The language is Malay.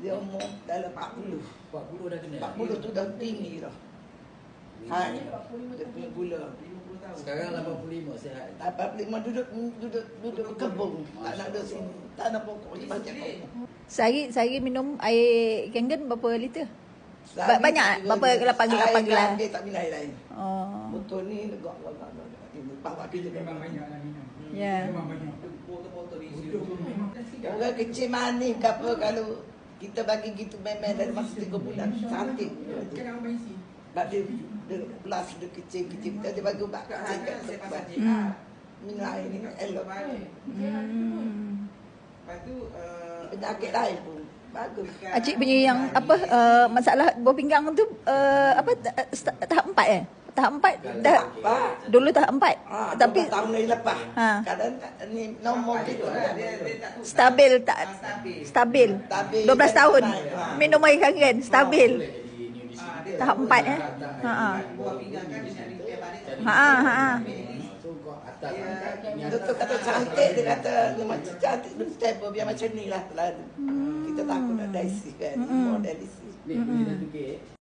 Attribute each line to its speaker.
Speaker 1: Dia umur dalam 40.
Speaker 2: 40 dah kena.
Speaker 1: 40 tu dah tinggi dah. Hai, dia punya gula.
Speaker 2: Sekarang 85 sihat.
Speaker 1: 85 duduk kebun. Tak nak ada sini. Tak nak pokok. Dia baca pokok.
Speaker 3: Sehari minum air Kangen berapa liter? Banyak? Berapa 8 gelas?
Speaker 1: Dia tak minum air lain.
Speaker 3: Oh.
Speaker 1: Botol ni legak. Bapak kita
Speaker 4: Memang banyak lah minum.
Speaker 3: Ya.
Speaker 4: Memang banyak.
Speaker 2: Botol-botol isi.
Speaker 1: Orang kecil manis ke apa kalau kita bagi gitu memang dari masa 3 bulan cantik.
Speaker 4: Kan abang isi.
Speaker 1: Sebab dia plus dia kecil-kecil. Dia bagi ubat kecil kat tempat. Minum air ni elok.
Speaker 2: Lepas tu
Speaker 1: Penyakit lain pun bagus.
Speaker 3: Acik punya yang apa masalah buah pinggang tu tahap 4 Tahap 4 dah. Dulu tahap 4. Tapi
Speaker 1: tahun ni lepas.
Speaker 3: Ha.
Speaker 1: Kadang ni nombor gitu.
Speaker 3: stabil tak stabil. 12 tahun. Minum air Kangen stabil. Tahap 4
Speaker 2: buah pinggang kan nak repair balik.
Speaker 1: Doktor kata cantik, dia kata dia macam cantik, dia stable biar macam ni lah. Kita takut nak dialysis kan, mau dialysis.
Speaker 2: Ni boleh dah tukar.